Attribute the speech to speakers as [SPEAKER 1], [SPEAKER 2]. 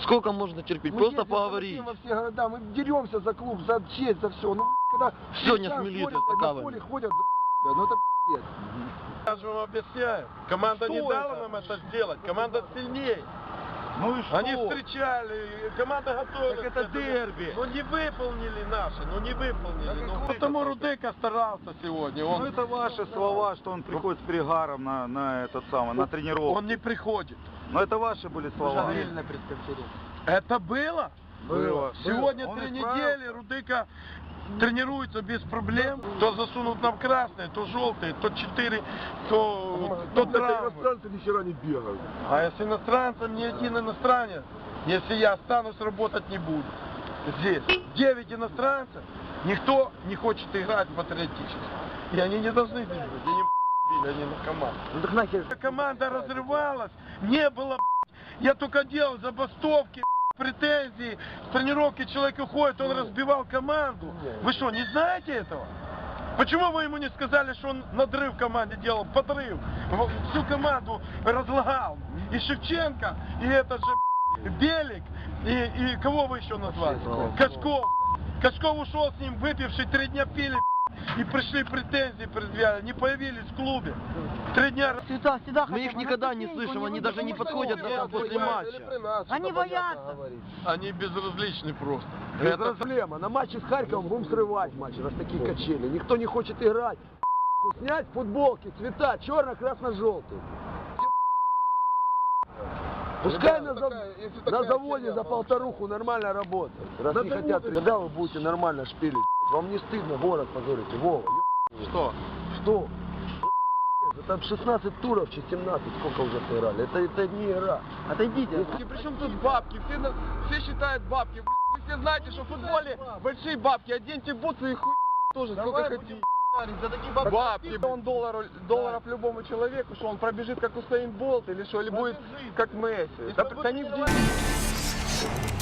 [SPEAKER 1] Сколько можно терпеть?
[SPEAKER 2] Мы
[SPEAKER 1] Просто
[SPEAKER 2] ездим
[SPEAKER 1] поговорить.
[SPEAKER 2] во все города, мы деремся за клуб, за честь, за все. Ну, когда
[SPEAKER 1] Сегодня
[SPEAKER 2] там
[SPEAKER 1] с милицией
[SPEAKER 2] ходят, на
[SPEAKER 1] стаканами.
[SPEAKER 2] поле ходят, ну это пиздец.
[SPEAKER 3] Я же вам объясняю. Команда
[SPEAKER 2] Что
[SPEAKER 3] не дала
[SPEAKER 2] это?
[SPEAKER 3] нам это сделать. Команда сильнее.
[SPEAKER 2] Ну и что?
[SPEAKER 3] Они встречали, команда готовилась.
[SPEAKER 2] Так это дерби.
[SPEAKER 3] Но не выполнили наши, не выполнили. Потому Рудыка старался сегодня.
[SPEAKER 4] Ну это ваши слова, что он приходит с перегаром на этот самый, на тренировку.
[SPEAKER 3] Он не приходит.
[SPEAKER 4] Но это ваши были слова.
[SPEAKER 2] На пресс-конференции.
[SPEAKER 3] Это было?
[SPEAKER 4] Было.
[SPEAKER 3] Сегодня
[SPEAKER 4] Он
[SPEAKER 3] 3
[SPEAKER 4] исправился.
[SPEAKER 3] недели Рудыка тренируется без проблем. То засунут нам красные, то желтые, то 4, то травмы.
[SPEAKER 2] Иностранцы ни хера не бегают.
[SPEAKER 3] А если иностранцам ни один иностранец, если я останусь, работать не буду. Здесь 9 иностранцев, никто не хочет играть патриотически. И они не должны бежать, они на команду.
[SPEAKER 2] Ну так нахер.
[SPEAKER 3] Команда разрывалась, не было, я только делал забастовки, претензии, с тренировки человек уходит, он разбивал команду. Вы что, не знаете этого? Почему вы ему не сказали, что он надрыв в команде делал, подрыв? Всю команду разлагал. И Шевченко, и этот же Белик, и кого вы еще назвали? Кашков. Кашков ушел с ним, выпивший, 3 дня пили, и пришли претензии предъявляли, не появились в клубе. 3 дня...
[SPEAKER 1] Мы их никогда не слышим, они даже не подходят нам после матча.
[SPEAKER 5] Они боятся.
[SPEAKER 3] Они безразличны просто.
[SPEAKER 2] Это проблема. На матче с Харьковом будем срывать матчи, раз такие качели. Никто не хочет играть. Снять футболки, цвета, черно-красно-желтый. Пускай на заводе за полторуху нормально работает. Раз не хотят, когда вы будете нормально шпилить? Вам не стыдно город позорите? Вова,
[SPEAKER 3] Что?
[SPEAKER 2] что? Это 16 туров, 17, сколько уже сыграли. Это не игра. Отойдите.
[SPEAKER 6] Причем тут бабки? Все считают бабки. Вы все знаете, что в футболе большие бабки. Оденьте бутсы и хуй тоже сколько хотите. Бабки. Он долларов любому человеку, что он пробежит как Усейн Болт или что, или будет как Месси. Да не в деньги.